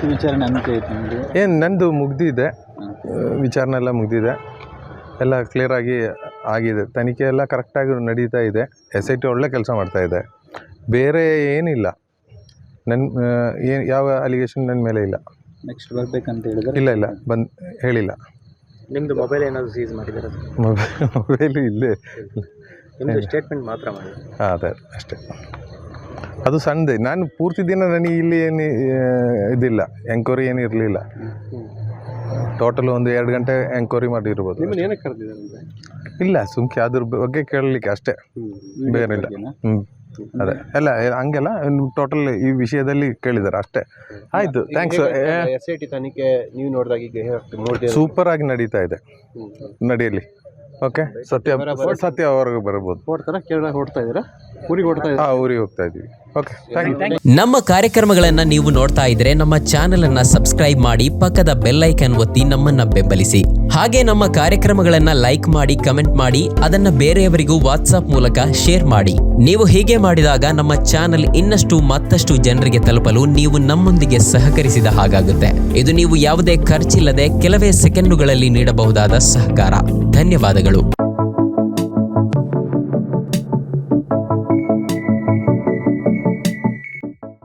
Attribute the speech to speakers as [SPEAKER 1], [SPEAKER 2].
[SPEAKER 1] ವಿಚಾರಣೆ ಅಂತ್ಯ ಆಯ್ತು ನಿಮ್ಮದು?
[SPEAKER 2] ಏನು ನಂದು ಮುಗ್ದಿದೆ, ವಿಚಾರಣೆ ಎಲ್ಲ ಮುಗ್ದಿದೆ, ಎಲ್ಲ ಕ್ಲಿಯರಾಗಿ ಆಗಿದೆ, ತನಿಖೆ ಎಲ್ಲ ಕರೆಕ್ಟಾಗಿ ನಡೀತಾ ಇದೆ. SIT ಒಳ್ಳೆ ಕೆಲಸ ಮಾಡ್ತಾಯಿದೆ, ಬೇರೆ ಏನಿಲ್ಲ. ಯಾವ ಅಲಿಗೇಷನ್ ನನ್ನ ಮೇಲೆ ಇಲ್ಲ.
[SPEAKER 1] ನೆಕ್ಸ್ಟ್ ಬರಬೇಕಂತ ಹೇಳಿದ್ರೆ?
[SPEAKER 2] ಇಲ್ಲ ಹೇಳಿಲ್ಲ.
[SPEAKER 3] ನಿಮ್ಮದು ಮೊಬೈಲ್ ಏನಾದರೂ ಸೀಸ್ ಮಾಡಿದ್ದಾರೆ?
[SPEAKER 2] ಮೊಬೈಲು ಇಲ್ಲೇ,
[SPEAKER 3] ನಿಮ್ಮದು ಸ್ಟೇಟ್ಮೆಂಟ್ ಮಾತ್ರ ಮಾಡಿ.
[SPEAKER 2] ಹಾಂ ಅದೇ ಅಷ್ಟೇ. ಅದು ಸಣ್ಣದೆ, ನಾನು ಪೂರ್ತಿ ದಿನ ನನಗೆ ಇಲ್ಲಿ ಏನು ಇದಿಲ್ಲ, ಎಂಕ್ವೈರಿ ಏನು ಇರಲಿಲ್ಲ. ಟೋಟಲ್ ಒಂದು 2 ಗಂಟೆ ಎಂಕ್ವೈರಿ ಮಾಡಿರ್ಬೋದು.
[SPEAKER 3] ನಿಮ್ಮನ್ನು ಏನಕ್ಕೆ ಕರೆದಿದ್ದಾರೆ?
[SPEAKER 2] ಇಲ್ಲ, ಸುಮ್ಕೆ ಅದ್ರ ಬಗ್ಗೆ ಕೇಳಲಿಕ್ಕೆ ಅಷ್ಟೇ, ಬೇರೆಲ್ಲ. ಅದೇ ಎಲ್ಲ ಹಂಗೆಲ್ಲ ಟೋಟಲ್ ಈ ವಿಷಯದಲ್ಲಿ ಕೇಳಿದ್ದಾರೆ ಅಷ್ಟೇ. ಆಯಿತು, ಥ್ಯಾಂಕ್ಸ್.
[SPEAKER 3] SIT ತನಿಖೆ ನೀವು ನೋಡಿದಾಗ
[SPEAKER 2] ಸೂಪರ್ ಆಗಿ ನಡೀತಾ ಇದೆ, ನಡೆಯಲಿ. ಓಕೆ, ಸತ್ಯ ಹೊರಗೆ ಬರ್ಬೋದು.
[SPEAKER 3] ಕೇರಳ ಹೊಡ್ತಾ ಇದ್ದೀರಾ? ಊರಿಗೆ ಹೊಡ್ತಾ ಇದ್ದೀರಾ?
[SPEAKER 2] ಊರಿಗೆ ಹೋಗ್ತಾ ಇದ್ದೀವಿ. Okay, thank you.
[SPEAKER 4] ನಮ್ಮ ಕಾರ್ಯಕ್ರಮಗಳನ್ನು ನೀವು ನೋಡ್ತಾ ಇದ್ರೆ ನಮ್ಮ ಚಾನೆಲ್ ಅನ್ನ ಸಬ್ಸ್ಕ್ರೈಬ್ ಮಾಡಿ, ಪಕ್ಕದ ಬೆಲ್ ಐಕನ್ ಒತ್ತಿ ನಮ್ಮನ್ನ ಬೆಂಬಲಿಸಿ. ಹಾಗೆ ನಮ್ಮ ಕಾರ್ಯಕ್ರಮಗಳನ್ನ ಲೈಕ್ ಮಾಡಿ, ಕಮೆಂಟ್ ಮಾಡಿ, ಅದನ್ನ ಬೇರೆಯವರಿಗೂ ವಾಟ್ಸ್ಆಪ್ ಮೂಲಕ ಶೇರ್ ಮಾಡಿ. ನೀವು ಹೀಗೆ ಮಾಡಿದಾಗ ನಮ್ಮ ಚಾನೆಲ್ ಮತ್ತಷ್ಟು ಜನರಿಗೆ ತಲುಪಲು ನೀವು ನಮ್ಮೊಂದಿಗೆ ಸಹಕರಿಸಿದ ಹಾಗಾಗುತ್ತೆ. ಇದು ನೀವು ಯಾವುದೇ ಖರ್ಚಿಲ್ಲದೆ ಕೆಲವೇ ಸೆಕೆಂಡುಗಳಲ್ಲಿ ನೀಡಬಹುದಾದ ಸಹಕಾರ. ಧನ್ಯವಾದಗಳು.